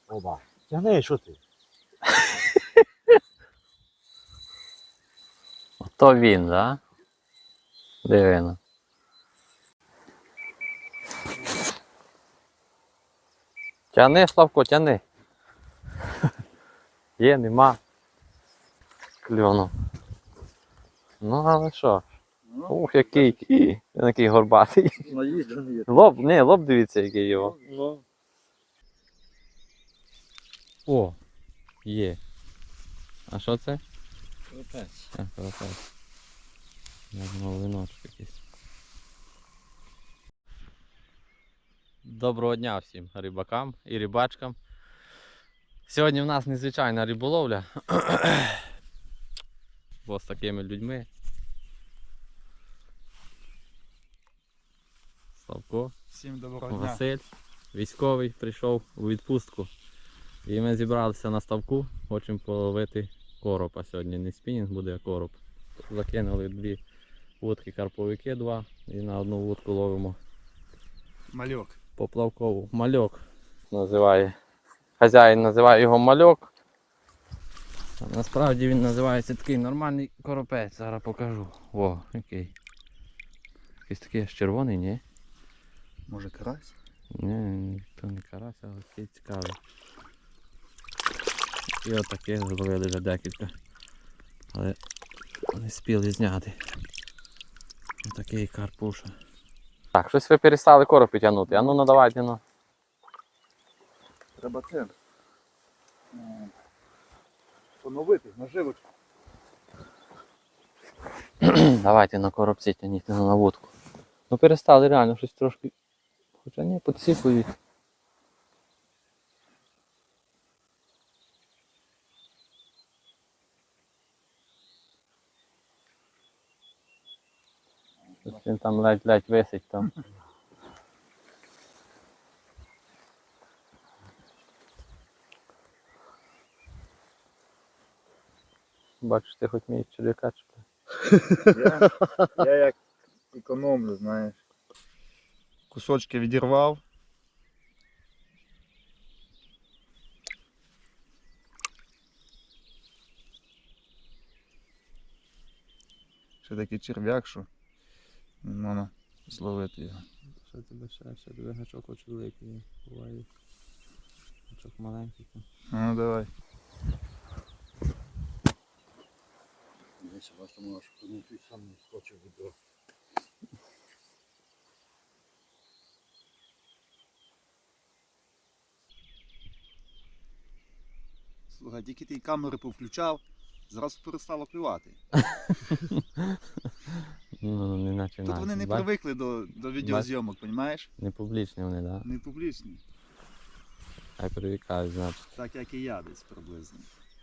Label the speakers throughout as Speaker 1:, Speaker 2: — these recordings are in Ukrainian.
Speaker 1: Оба. Тягни, що ти?
Speaker 2: То він, да? Дивно. Тяни, Славко, тяни. Є, нема. Кльону. Ну, але що? Ух, який горбатий.
Speaker 1: Наїжджений.
Speaker 2: Лоб дивіться, який його.
Speaker 1: Ну.
Speaker 2: О, є. А що це?
Speaker 1: Капець.
Speaker 2: Карапець. Я думав, виночок якийсь. Доброго дня всім рибакам і рибачкам. Сьогодні в нас незвичайна риболовля. Бо з такими людьми. Славко,
Speaker 1: Всім доброго дня.
Speaker 2: Василь, військовий, прийшов у відпустку. І ми зібралися на ставку, хочемо половити коропа сьогодні. Не спінінг буде, а короб. Закинули 2 вудки карповики, 2, і на одну вудку ловимо
Speaker 1: Мальок.
Speaker 2: поплавкову. Мальок називає. Хазяїн називає його мальок. А насправді він називається такий нормальний коропець. Зараз покажу. О, який. Якийсь такий аж червоний, ні?
Speaker 1: Може карась?
Speaker 2: Ні, то не карась, але такий цікавий. І отаке зловили вже декілька. Але не спіли зняти. Отакий карпуша. Так, щось ви перестали коропи тягнути. А ну давайте, ну.
Speaker 1: Треба це. Поновити наживочку.
Speaker 2: Давайте на коробці тягніть, на вудку. Ну перестали реально щось трошки. Хоча ні, підсипують. Щось він там ледь висить там. Бачиш, ти хоч вмієш черв'яка чіпляти.
Speaker 1: Я як економлю, знаєш. Кусочки відірвав. Ще такий черв'як, що не можна зловити його.
Speaker 2: Що тебе ще тебе гачок хоч великий, буває гачок маленький.
Speaker 1: Ну давай.
Speaker 3: Десь у вас там аж ти сам не скочив відро. Слухай, тільки ти камери повключав, зразу перестало клювати.
Speaker 2: Ну, не наче
Speaker 3: Тут вони не привикли до відеозйомок, розумієш?
Speaker 2: Не публічні вони, так? Да?
Speaker 3: Не публічні.
Speaker 2: Хай привикають, значить.
Speaker 3: Так як і я десь приблизно.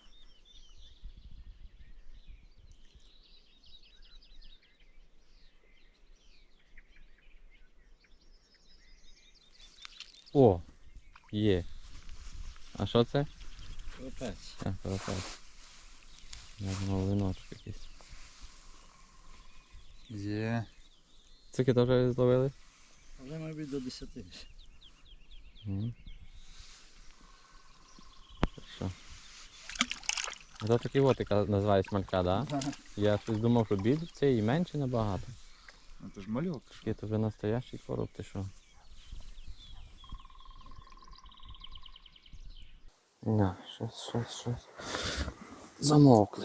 Speaker 2: О, є. А що це?
Speaker 3: Капець.
Speaker 2: Карапець. Я думав, виночок якийсь.
Speaker 1: Є.
Speaker 2: Скільки то вже зловили?
Speaker 3: Але мабуть до 10.
Speaker 2: Що? Це такий от, яка називається малька, так? Да? Я щось думав, що біль це і менше набагато.
Speaker 1: Ну то ж мальок.
Speaker 2: Такий то вже настоящий короб, ти що? На, щось. Замовкли.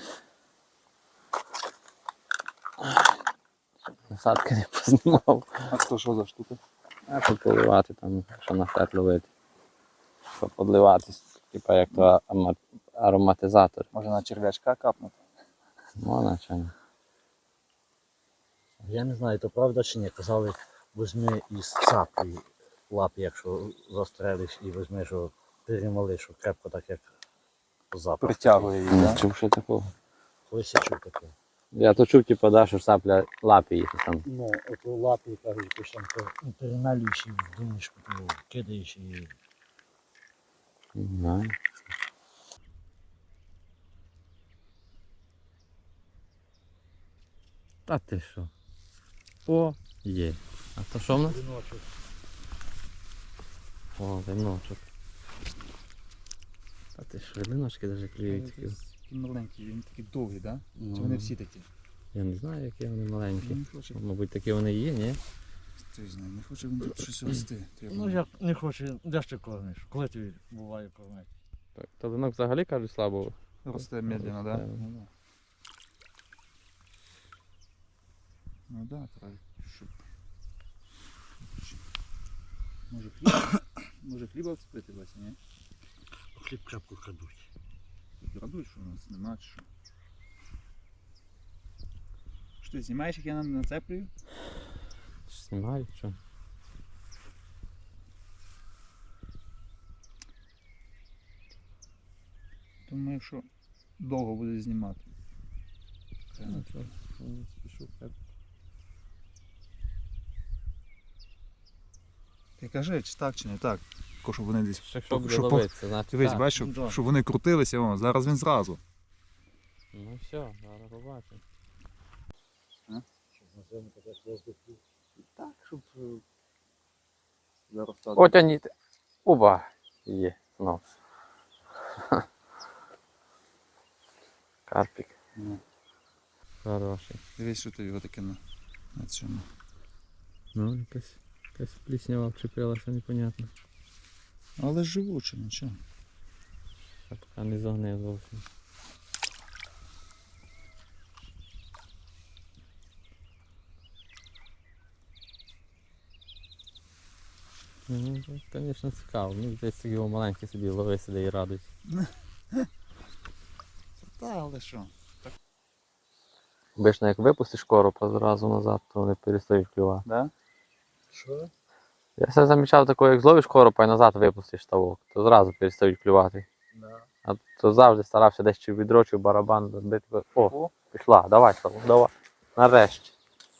Speaker 2: Насадки не познімав.
Speaker 1: А то що за штука?
Speaker 2: А тут поливати там, що на фет ловити. Щоб подливатись, типа як то ароматизатор.
Speaker 1: Може на черв'ячка капнути?
Speaker 2: Можна чи ні?
Speaker 3: Я не знаю, то правда чи ні. Казали, візьми із цапи лапи, якщо застрелиш, і візьми, що перемали, що крепко так як запах.
Speaker 1: Притягує її,
Speaker 2: Не
Speaker 1: так?
Speaker 2: чув ще такого.
Speaker 3: Колись я чув таке.
Speaker 2: Я то чув, типу, да, що сапля лапи їх там.
Speaker 3: Ну, от у лапі, кажуть, якось там перемалюєш і в думішку, кидаєш і...
Speaker 2: Не знаю. Та ти що? О, є. А то що в нас?
Speaker 3: Віночок.
Speaker 2: О, виночок. ти ж, одиночки навіть клюють такі.
Speaker 1: Такий маленький, він такий довгий, так? Да?
Speaker 3: Ну,
Speaker 1: Чи вони всі такі?
Speaker 2: Я не знаю, які вони маленькі.
Speaker 1: Не хоче,
Speaker 2: Мабуть, такі вони і є, ні?
Speaker 1: ти знає, не хоче він тут щось рости. Треба.
Speaker 3: Ну як не хоче, де ж ти кормиш? Коли тобі буває кормити?
Speaker 2: Так, Толинок взагалі, кажуть, слабо.
Speaker 1: Росте медленно, да?
Speaker 2: Росте.
Speaker 1: Ну да. Ну да, треба, щоб... Може хліба? Може хліба вцепити, Вася, ні?
Speaker 3: Хліб крапку крадуть.
Speaker 1: Радують, що у нас нема, чи що? Що ти знімаєш, як я нацеплюю?
Speaker 2: Знімають, що?
Speaker 1: Думаю, що довго буде знімати.
Speaker 2: Ну, що, не спішу.
Speaker 1: Ти кажи, чи так, чи не так. Тако, щоб вони десь...
Speaker 2: Якщо буде
Speaker 1: щоб
Speaker 2: ловитися, значить
Speaker 1: Дивись,
Speaker 2: так.
Speaker 1: бачиш, щоб,
Speaker 3: Да.
Speaker 1: щоб вони крутилися, о, зараз він зразу.
Speaker 2: Ну все, зараз побачимо.
Speaker 3: Щоб на зиму таке воздуху.
Speaker 1: Так, щоб... Зараз так.
Speaker 2: Отягніть. Оба. Є, знов. Карпік.
Speaker 1: Ну.
Speaker 2: Хороший.
Speaker 1: Дивись, що тобі отаке на цьому.
Speaker 2: Ну, якась пліснява вчепилася, непонятно.
Speaker 1: Але живуче, нічого.
Speaker 2: А поки не загнив зовсім. Ну, звісно, цікаво. Ну, десь його маленький собі лови сюди і радується.
Speaker 1: Та, але що?
Speaker 2: Обично, як випустиш коропа зразу назад, то вони перестають клювати.
Speaker 1: Да?
Speaker 3: Що?
Speaker 2: Я все замічав такого, як зловиш коропа і назад випустиш ставок, то зразу перестають клювати.
Speaker 3: Да.
Speaker 2: А то завжди старався десь чи в відро, чи в барабан бити. О, пішла, давай, Славу, давай. Нарешті.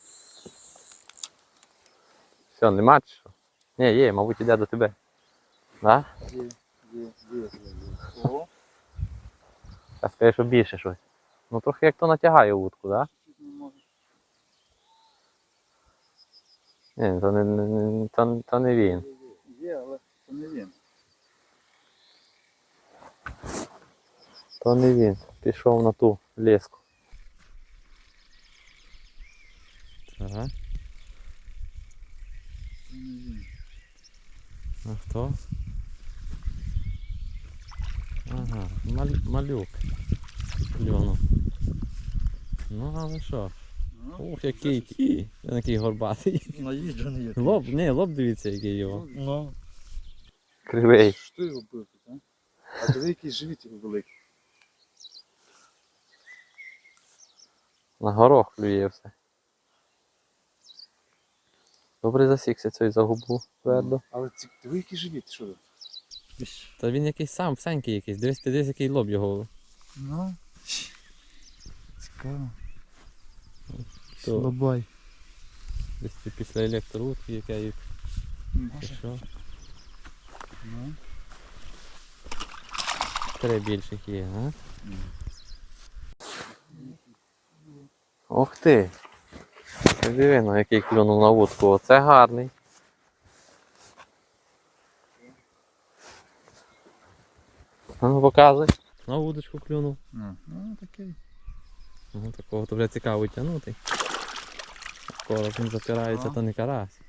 Speaker 2: Все, нема чи що? Ні, є, мабуть, іде до тебе. Да?
Speaker 1: Є. О,
Speaker 2: Я скажу, що більше щось. Ну трохи як то натягає вудку, да?
Speaker 1: чуть не можу.
Speaker 2: Ні, то не він.
Speaker 1: Є, але це не він.
Speaker 2: То не він. Пішов на ту леску. Ага.
Speaker 1: Це не він.
Speaker 2: А хто? Ага, малюк. Кльонув. Ну, але що?
Speaker 1: Ну,
Speaker 2: Ух, який який горбатий.
Speaker 3: Наїжджений який.
Speaker 2: Лоб дивіться, який його.
Speaker 3: Ну,
Speaker 2: Кривий.
Speaker 1: Що його бив тут, а? А диви, який живіт його великий.
Speaker 2: На горох клює все. Добре засікся цей за губу твердо.
Speaker 1: Але диви, який живіт, що?
Speaker 2: Та він якийсь сам, всенький якийсь. Дивись, який лоб його.
Speaker 1: Ну, цікаво.
Speaker 2: То-
Speaker 1: Слабай.
Speaker 2: Десь після електроутки, яка їх.
Speaker 1: Може.
Speaker 2: Що?
Speaker 1: Ну.
Speaker 2: 3 більших є, а? Ох ти! Ти диви, ну, який клюнув на вудку. Оце гарний. А ну показуй. На вудочку клюнув.
Speaker 1: Ну, такий.
Speaker 2: Ну, такого то вже цікаво тягнути. Короб він запирається,
Speaker 1: Ага.
Speaker 2: то не карась.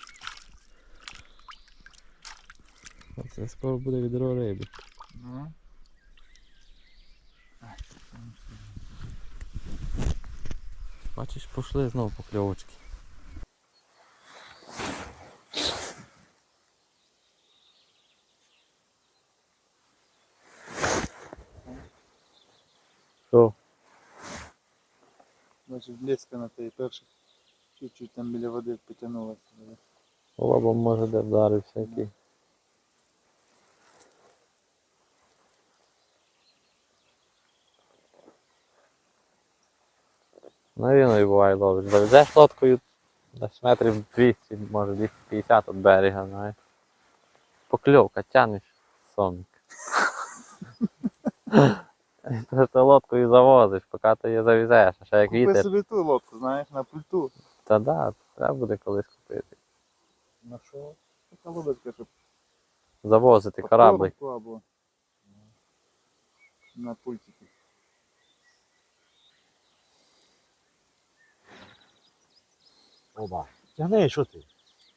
Speaker 2: Це скоро буде відро риби.
Speaker 1: Ну.
Speaker 2: Бачиш, пішли знову покльовочки. Що?
Speaker 1: Бачиш, блеска на тій першій. Чуть-чуть там біля води потягнулася.
Speaker 2: Лобом може де вдарився який. Ну він і буває ловиш. Заведеш лодкою десь метрів 200, може 250 від берега, знаєш. Покльовка, тянеш сомик. Тож ти лодкою завозиш, поки ти її завезеш, а ще як
Speaker 1: Купи
Speaker 2: вітер.
Speaker 1: собі ту лодку, знаєш, на пульту.
Speaker 2: Та да, треба буде колись купити.
Speaker 1: На що? Така лодочка, щоб
Speaker 2: Завозити кораблик.
Speaker 1: коробку або... на пультику.
Speaker 3: Оба. Тягни, що ти?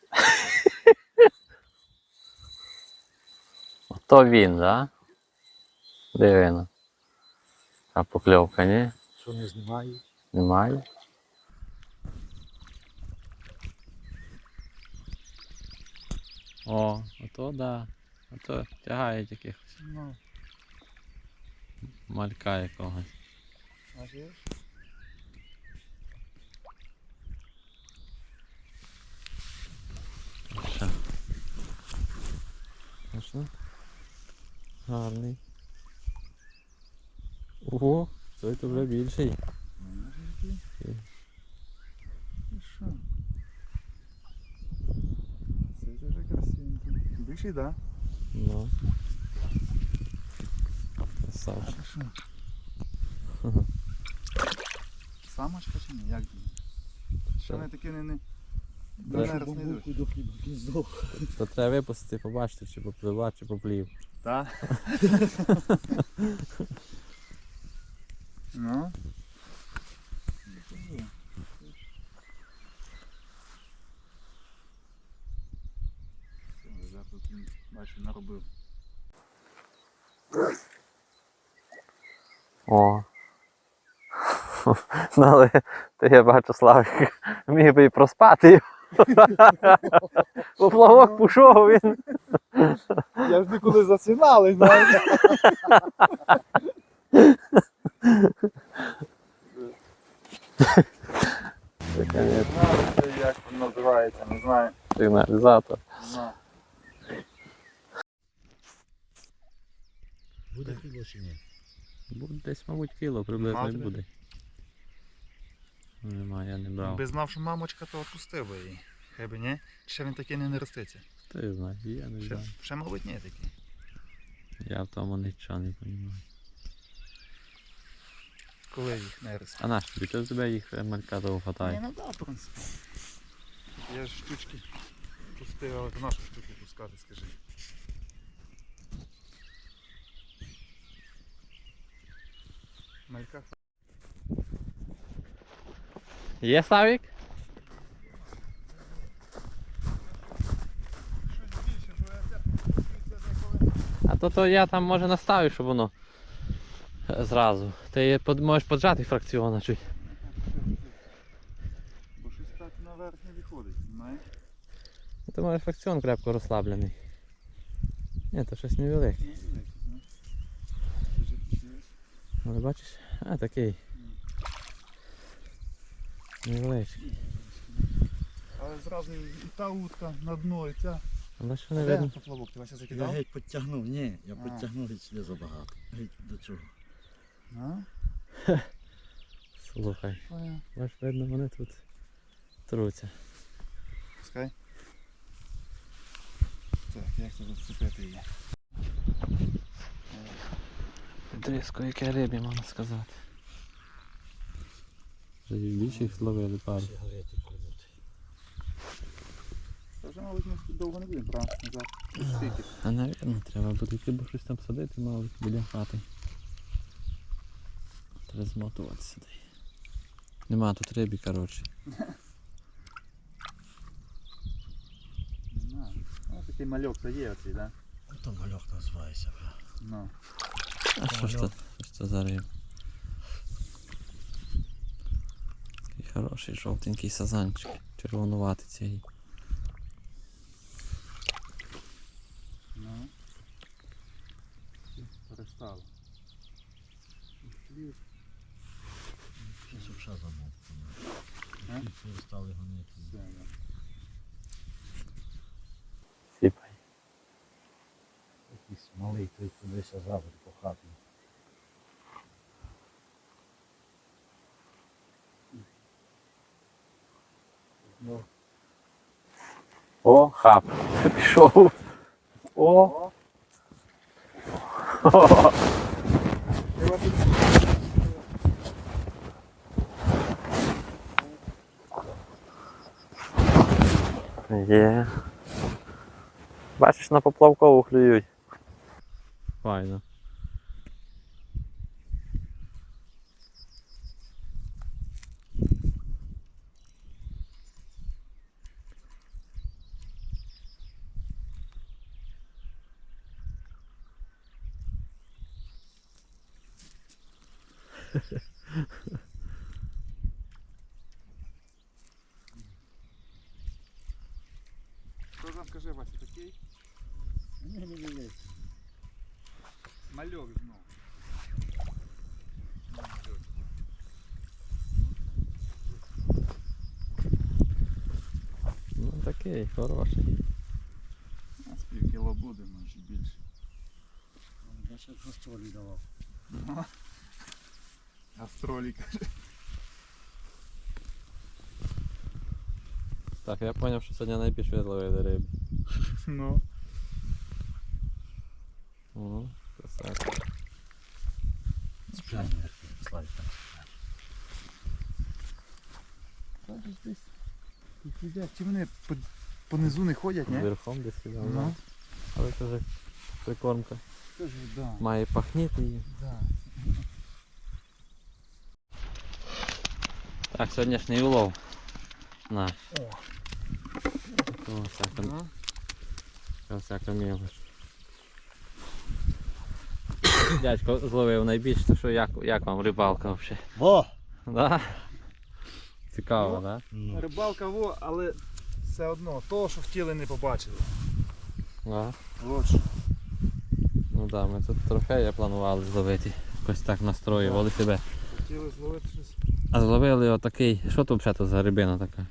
Speaker 2: Ото він, да? Дивно. А покльовка, ні?
Speaker 3: Що не знімаю?
Speaker 2: Немає. О, ото да. Ото тягають якихось
Speaker 1: Ну,
Speaker 2: малька якогось.
Speaker 1: бачиш?
Speaker 2: Що? Можна? Гарний. Ого, той то вже більший.
Speaker 1: Ти що? Це вже красивенький. Більший, да?
Speaker 2: Ну. Красавчик.
Speaker 1: Хорошо. Самочка чи ні? Як думаєш? Що вони такі не
Speaker 2: Треба
Speaker 1: не йдуть?
Speaker 3: до хліба кінзов.
Speaker 2: То треба випустити, побачити, чи попливла, чи поплів.
Speaker 1: Так? Ну? Зараз тут він, бачу, наробив.
Speaker 2: О. Ну, але то я бачу, Славик міг би і проспати. Поплавок пішов він.
Speaker 1: Я ж ніколи засинали, знаєш. Як він називається, не знаю.
Speaker 2: Сигналізатор.
Speaker 1: На.
Speaker 3: Буде хліба чи ні?
Speaker 2: Буде десь, мабуть, кіло приблизно і
Speaker 1: Мати?
Speaker 2: буде. Нема, я не брав.
Speaker 1: Би знав, що мамочка, то відпустив би її. Хай би ні. Чи ще він такий не роститься?
Speaker 2: Ти знаєш, я не
Speaker 1: Ще,
Speaker 2: знаю.
Speaker 1: ще мабуть, ні такий.
Speaker 2: Я в тому нічого не розумію.
Speaker 1: Коли їх не росте.
Speaker 2: А наш тобі, то в тебе їх малька того
Speaker 1: Ні,
Speaker 2: хватає.
Speaker 1: ну да, в принципі. Я ж штучки пустив, але то нашу штуки пускати, скажи. Малька
Speaker 2: Є, Славік?
Speaker 1: щось більше, що я
Speaker 2: А то я там може наставлю, щоб воно зразу. Ти можеш поджати фракціона чуть.
Speaker 1: Бо щось так наверх не виходить, знаєш?
Speaker 2: Ти можеш фракціон крепко розслаблений. Ні, то щось невелике. Але бачиш? А, такий. Невеличкий.
Speaker 1: Але зразу і та утка на дно, і ця.
Speaker 2: Але що не видно?
Speaker 1: поплавок? Ти Вася
Speaker 3: Я
Speaker 1: закидав?
Speaker 3: геть підтягнув, ні, я
Speaker 1: А.
Speaker 3: підтягнув геть сюди забагато. Геть до цього.
Speaker 1: А?
Speaker 2: Слухай.
Speaker 1: Понял.
Speaker 2: Бачиш, видно, вони тут труться.
Speaker 1: Пускай. Так, як це зацепити її?
Speaker 2: Дрізко, яке рибі, можна сказати. Вже і більших зловили пару.
Speaker 3: Сигарети продати.
Speaker 1: Це вже, мабуть, ми довго не будемо, правда? Назад. Скільки?
Speaker 2: А навірно, треба буде йти, бо щось там садити, мабуть, біля хати. Треба змотувати сюди. Нема тут рибі, коротше.
Speaker 1: Не знаю. Ну, такий мальок то є оцей, да?
Speaker 3: То мальок називається.
Speaker 1: Ну.
Speaker 2: А що ж це за риба? Такий хороший жовтенький сазанчик. Червонуватий цей.
Speaker 1: Ну. Перестало.
Speaker 3: Щось вже замовкнуло.
Speaker 1: А?
Speaker 3: Перестали гонити.
Speaker 1: Все, да.
Speaker 2: Сіпай.
Speaker 3: Якийсь малий, той кудись завод по хаті. Ну,
Speaker 2: О, хап. Пішов. О. Є. Бачиш, на поплавкову клюють. Файно.
Speaker 1: Що там, скажи, Вася, такий?
Speaker 3: Ні.
Speaker 1: Мальок знов.
Speaker 2: Ну такий, хороший.
Speaker 1: А з пів кіло буде, може більше.
Speaker 3: Я ще гастролі давав.
Speaker 1: Гастролі, каже.
Speaker 2: Так, я зрозумів, що сьогодні найбільше зловили риби.
Speaker 1: Ну.
Speaker 2: О, красавчик.
Speaker 3: Спеціально слайд там.
Speaker 1: Кажуть, десь тут їдять. Чи вони по низу не ходять, ні?
Speaker 2: Верхом десь сюди.
Speaker 1: Ну.
Speaker 2: Але це вже прикормка.
Speaker 1: Кажу, да.
Speaker 2: Має пахніти її.
Speaker 1: Да.
Speaker 2: Так, сьогоднішній улов наш.
Speaker 1: О.
Speaker 2: Такого всяка,
Speaker 1: Ну.
Speaker 2: всяка мілоч. Дядько зловив найбільше, то що як вам рибалка взагалі?
Speaker 3: Во!
Speaker 2: Да? Цікаво,
Speaker 1: Ну.
Speaker 2: так?
Speaker 3: Ну,
Speaker 1: Рибалка во, але все одно, того, що хотіли, не побачили.
Speaker 2: Да?
Speaker 1: От що.
Speaker 2: Ну так, ми тут трофеї планували зловити. Якось так настроювали себе.
Speaker 1: Хотіли зловити щось.
Speaker 2: А зловили отакий. Що тут взагалі за рибина така?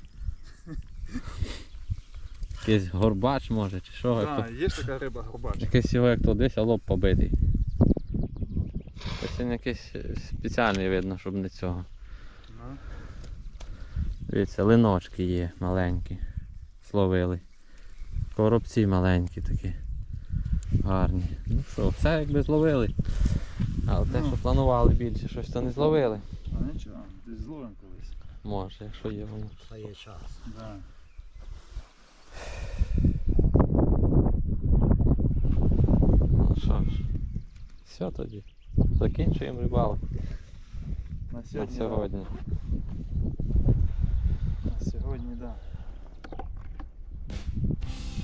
Speaker 2: Якийсь горбач може чи що? як то-
Speaker 1: Так, є ж така риба горбач.
Speaker 2: Якийсь його як то десь, а лоб побитий. Ось він якийсь спеціальний видно, щоб не цього.
Speaker 1: Ну.
Speaker 2: Дивіться, линочки є маленькі. Словили. Коробці маленькі такі. Гарні. Ну що, все якби зловили. Але те,
Speaker 1: Ну.
Speaker 2: що планували більше, щось то не зловили.
Speaker 1: А нічого, десь зловимо колись.
Speaker 2: Може, якщо є воно.
Speaker 3: це є час.
Speaker 1: Да.
Speaker 2: Ну що ж. Все тоді. Закінчуємо рибалку
Speaker 1: На
Speaker 2: на
Speaker 1: сьогодні.
Speaker 2: сьогодні.
Speaker 1: Да. На сьогодні, так. Да.